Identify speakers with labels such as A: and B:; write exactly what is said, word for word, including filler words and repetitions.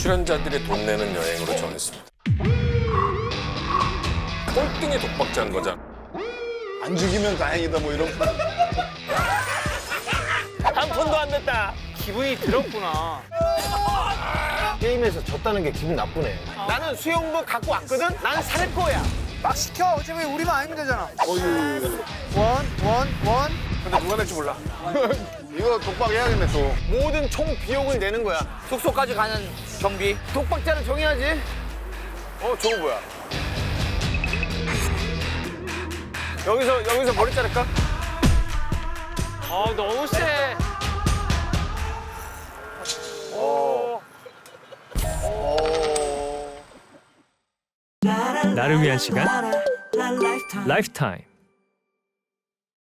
A: 출연자들이 돈 내는 여행으로 정했습니다. 꼴등의 독박자인 거잖아.
B: 안 죽이면 다행이다 뭐 이런.
C: 한 푼도 안 냈다.
D: 기분이 들었구나.
E: 게임에서 졌다는 게 기분 나쁘네.
C: 나는 수영복 갖고 왔거든? 난 살 거야.
D: 막 시켜. 어차피 우리만 아니면 되잖아.
B: 어휴.
D: 원, 원, 원.
C: 근데 누가 낼지 몰라.
B: 이거 독박 해야겠네 또.
C: 모든 총 비용을 내는 거야. 숙소까지 가는 경비. 독박자를 정해야지. 어, 저거 뭐야? 여기서, 여기서 머리 자를까?
D: 아, 너무 세.
C: 어.
F: 나를 위한 시간 라이프타임.